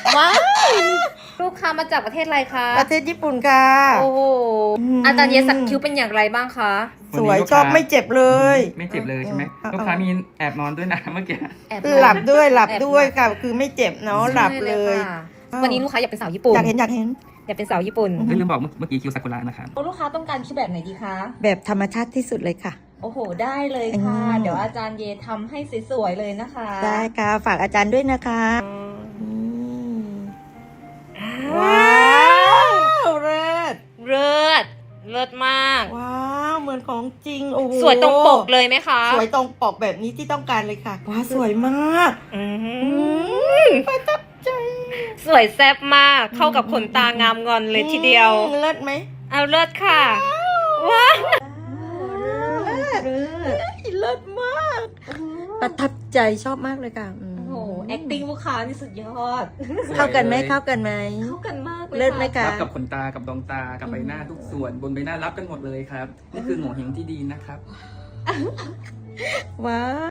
ว้าวลูกค้ามาจากประเทศอะไรคะประเทศญี่ปุ่นค่ะโอ้โหอาจารย์เยสักคิ้วเป็นอย่างไรบ้างคะสวยชอบไม่เจ็บเลยไม่เจ็บเลยใช่ไหมเอาลูกค้ามีแอบนอนด้วยนะเมื่อกี้แอบหลับด้วยค่ะ คือไม่เจ็บเนาะหลับเลยค่ะวันนี้ลูกค้าอยากเป็นสาวญี่ปุ่นอยากเห็นอยากเป็นสาวญี่ปุ่นลืมบอกเมื่อกี้คิวซากุระนะครับลูกค้าต้องการคิ้วแบบไหนดีคะแบบธรรมชาติที่สุดเลยค่ะโอ้โหได้เลยค่ะอืมเดี๋ยวอาจารย์เยทำให้สวยๆเลยนะคะได้ค่ะ ฝากอาจารย์ด้วยนะคะว้าวเลิศเลิศเลิศมากว้าวเหมือนของจริงโอ้โหสวยตรงปกเลยไหมคะสวยตรงปกแบบนี้ที่ต้องการเลยค่ะว้าวสวยมาก ประทับใจสวยแซ่บมากเข้ากับขนตางามงอนเลยทีเดียวเลิศไหมเอาเลิศค่ะว้าวเลิศมาก ประทับใจชอบมากเลยค่ะโอ้โห acting ลูกค้านี่สุดยอดเข้ากันไหมเข้ากันไหมเข้ากันมากเลยเลิศไหมค่ะคะรับกับขนตา กับดวงตา กับใบหน้าทุกส่วน บนใบหน้ารับกันหมดเลยครับ นี่คือโง่เฮงที่ดีนะครับว้าว